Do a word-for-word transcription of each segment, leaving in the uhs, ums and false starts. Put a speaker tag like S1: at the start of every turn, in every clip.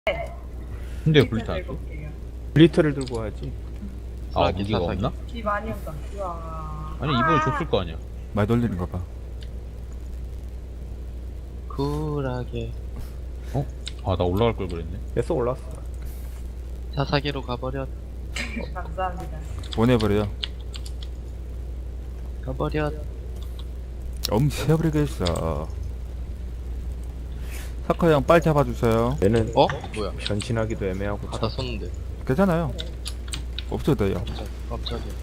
S1: 근데 블리트 안 써?
S2: 블리트를 들고 와야지.
S1: 아
S3: 사사기,
S1: 무기가
S3: 사사기.
S1: 없나?
S4: 비 많이 온다. 우와.
S1: 아니 이번에 줬을 거 아니야.
S2: 말 돌리는 거 봐.
S3: 쿨하게
S1: 아 나 올라갈 걸 그랬네.
S2: 계속 올랐어.
S3: 사사기로 가버렸
S4: 감사합니다.
S2: 보내버려.
S3: 가버렸
S2: 엄세버리겠어. 사커 형 빨리 잡아주세요. 얘는
S3: 어? 뭐야
S2: 변신하기도 애매하고
S3: 바다 섰는데
S2: 괜찮아요. 없어도 돼요.
S3: 깜짝, 깜짝이야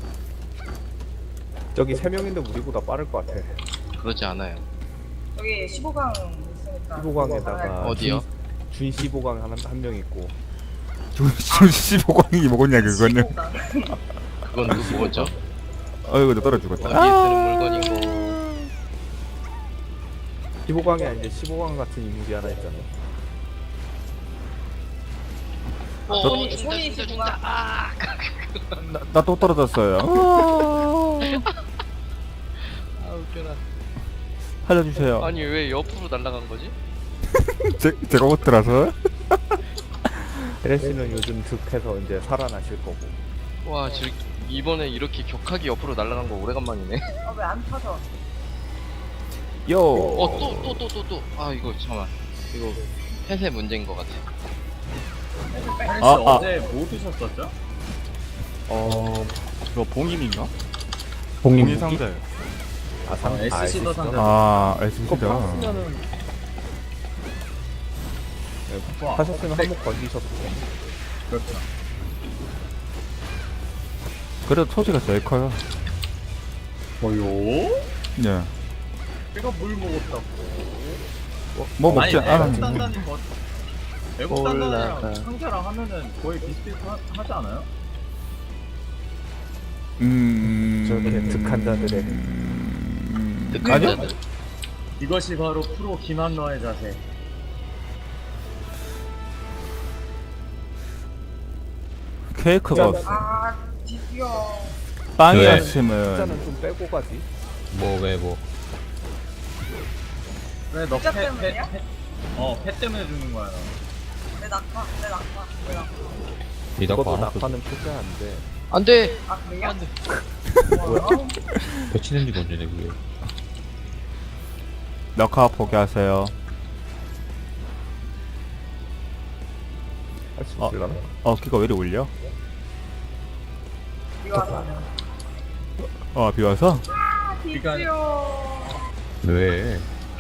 S2: 저기 세 명인데 우리보다 빠를 것 같아.
S3: 그러지 않아요
S4: 여기 십오 강 있으니까.
S2: 십오 강에다가
S3: 어디요?
S2: 준 십오 강 한 한 명 있고. 준 십오 강이 뭐겠냐 그거는.
S4: 십오 강.
S3: 그건 누구 뭐죠?
S2: 어이구 나 떨어 죽었다.
S3: 어디에 쓰는 물건이고
S2: 십오 강이 아닌데 십오 강 같은 인물이 하나 있잖아.
S3: 어
S4: 손이-
S3: 준다
S4: 손이
S3: 준다
S4: 십오 강.
S3: 준다 아
S2: 나 또 떨어졌어요.
S3: 아 웃겨라
S2: 살려주세요.
S3: 아니 왜 옆으로 날아간 거지?
S2: 제, 제가 옷들어서. 에레스는 요즘 득해서 이제 살아나실 거고.
S3: 와 지금 이번에 이렇게 격하게 옆으로 날아간 거 오래간만이네
S4: 어, 왜 안 터져?
S2: 요.
S3: 어 또 또 또 또 또 아 이거 잠깐만 이거 펫의 문제인 것 같아
S2: 아, 아.
S5: 어제 뭐 드셨었죠?
S2: 어, 그거 봉인인가?
S5: 봉인
S2: 봉인 상자요. 아, 상,
S5: 어, 에스씨도 상자.
S2: 아, 에스씨다.
S5: 그거 팔았으면은
S2: 네, 하셨으면 한몫 건지셨고.
S5: 그렇죠.
S2: 그래도 토지가 제일 커요.
S5: 뭐요?
S2: 예.
S5: 내가 물 먹었다고.
S2: 뭐, 뭐 먹지
S5: 아니,
S2: 않았는데.
S5: 애국 단단히 뭐 애국
S3: 올라가.
S5: 단단이랑 상자랑 하면은 거의 비슷비슷하지 않아요?
S2: 음.
S6: 저렇게 득한 자들의
S2: 음...
S3: 득한
S2: 아니요?
S3: 자들
S5: 이것이 바로 프로 김한러의 자세.
S2: 케이크가 없어.
S4: 아, 드디어.
S2: 빵이었으면.
S6: 숫자는 좀 빼고 가지.
S1: 뭐 왜 뭐.
S5: 왜 너
S4: 진짜
S5: 패, 패,
S4: 때문이야?
S5: 패, 어, 패 때문에 주는 거야.
S4: 내 낙하, 내 낙하, 내 낙하.
S1: 이다가
S6: 그것도
S1: 하나 또
S6: 낙하는 표시가 안 돼.
S3: 안돼
S4: 아, 그래요?
S3: 안돼
S4: 뭐야?
S1: 배치된 지가 언제네 그게.
S2: 낙하 포기하세요.
S6: 할 수
S2: 어.
S6: 있을라나?
S2: 어, 키가 왜 이리 울려?
S4: 이거 하자.
S2: 어, 비와서?
S4: 아, 드디어.
S1: 왜?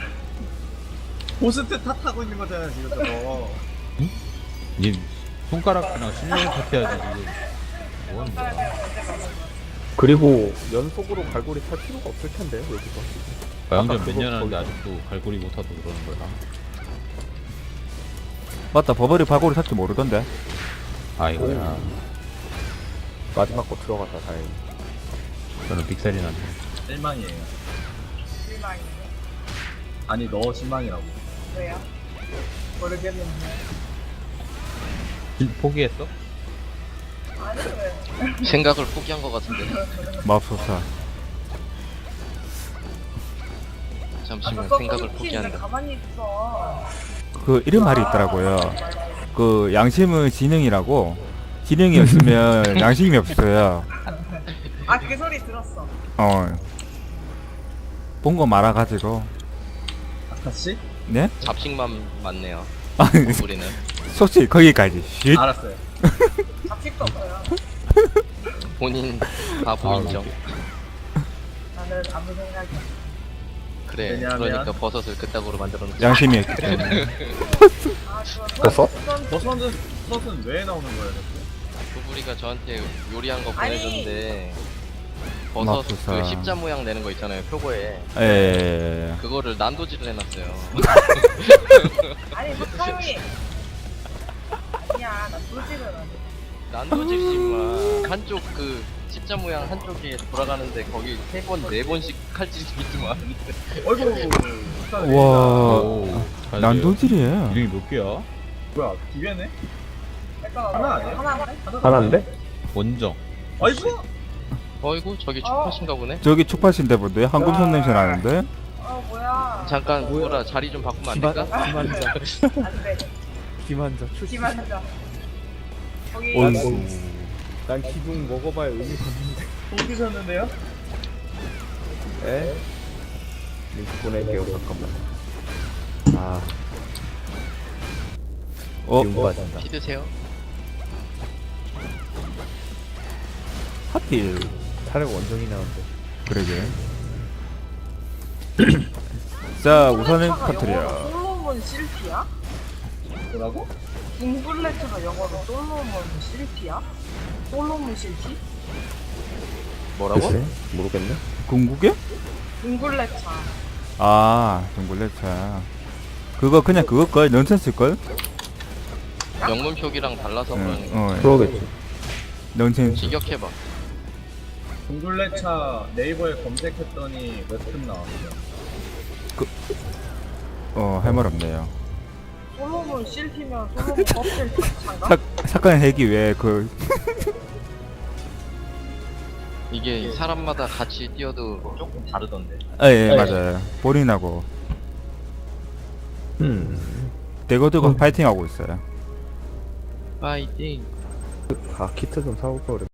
S5: 호스트 탓하고 있는 거잖아, 지금 저거.
S1: 니 손가락이랑 실력 같아야지 지금. 뭐 하는 거야?
S6: 그리고 연속으로 갈고리 탈 필요가 없을 텐데 여기서.
S1: 과영전
S6: 아까
S1: 몇 년
S6: 그거
S1: 하는데
S6: 거기-
S1: 아직도 갈고리 못하고 그러는 거야.
S2: 맞다, 버버리 발고리 샀지 모르던데.
S1: 아이고야.
S6: 마지막 거 들어가서 다행히.
S1: 저는 빅살이 났네.
S5: 실망이에요.
S4: 실망이네.
S5: 아니, 너 실망이라고.
S4: 왜요? 모르겠는데.
S1: 진- 포기했어?
S4: 아니, 왜?
S3: 생각을 포기한 것 같은데
S2: 맙소사.
S3: 잠시만
S4: 아까
S3: 생각을
S4: 왜
S3: 포기한다
S4: 가만히 있어.
S2: 그, 이런 말이 있더라고요. 그, 양심은 지능이라고. 지능이 없으면 양심이 없어요.
S4: 아, 그 소리 들었어.
S2: 어. 본 거 말아가지고.
S5: 아카씨?
S2: 네?
S3: 잡식만 많네요
S2: 아니,
S3: 우리는
S2: 솔직히 거기까지. 쉿.
S5: 알았어요.
S4: 잡식도 없어요.
S3: 본인 바보
S1: 아,
S3: 인정
S4: 나는 아무 생각이 없어.
S3: 그래
S5: 왜냐하면-
S3: 그러니까 버섯을 그따구로 만들어 놓지
S2: 양심이 있기 때문에.
S4: 아, 그거
S6: 버섯?
S4: 버섯?
S5: 버섯은, 버섯은 왜 나오는 거예요, 이렇게?
S3: 부부리가 저한테 요리한 거
S4: 아니.
S3: 보내줬는데 버섯
S2: 맙소사.
S3: 그 십자 모양 내는 거 있잖아요 표고에
S2: 예.
S3: 그거를 난도질을 해놨어요
S4: 아니, 석하영이. 아니야, 나 솔직은 안 해.
S3: 난도질이지만 한쪽 그 십자 모양 한쪽에 돌아가는데 거기 세 번 네 번씩 칼질이 있지만
S5: 어이구,
S2: 와.
S1: 오, 잘 돼요.
S2: 난도질이에요.
S1: 이름이 몇 개야?
S5: 뭐야, 기회네?
S4: 약간
S5: 하나 아니야?
S4: 하나인데?
S6: 하나인데?
S1: 원정.
S5: 아이고!
S3: 어이구 저기 축하신가 보네
S2: 저기 축파신데 본데 한금손 냄새 나는데?
S4: 어, 뭐야.
S3: 잠깐 부부라 자리 좀 바꾸면 안 될까?
S4: 안 돼.
S6: 기만자 출시.
S4: 기만하자. 거기
S6: 난,
S2: 어이구.
S6: 뭐, 난 기둥 먹어봐야 의미가 없는데.
S5: 돈 드셨는데요?
S6: 에? 링크 보낼게요 잠깐만. 아
S2: 어?
S6: 기운 빠진다.
S3: 피 드세요.
S2: 하필.
S6: 차라리 원정이 나온대.
S2: 그러게. 자 우선은
S4: 잉글레처가
S2: 터트려.
S4: 영어로 솔로몬 실피야?
S5: 뭐라고?
S4: 잉글레처가 영어로 솔로몬 실피야? 솔로몬 실피?
S3: 뭐라고?
S6: 글쎄? 모르겠네.
S2: 궁극이야?
S4: 잉글레차.
S2: 아 동굴레차. 그거 그냥 그거걸 넌센스걸?
S3: 영문 표기랑 달라서
S2: 응,
S3: 그러는 거.
S2: 어
S6: 그러겠지.
S2: 넌센스.
S3: 직역해봐.
S5: 동굴레차 네이버에 검색했더니 웹툰 나왔어요.
S2: 어 할 말 없네요.
S4: 솔로몬 실피면 솔로몬 껍질 차인가?
S2: 사, 사건 해기 위해 그
S3: 이게 사람마다 같이 뛰어도 조금 다르던데.
S2: 아, 예, 맞아요. 볼인하고
S6: 음.
S2: 대거두고 파이팅하고 있어요.
S3: 파이팅.
S6: 아 키트 좀 사올 걸.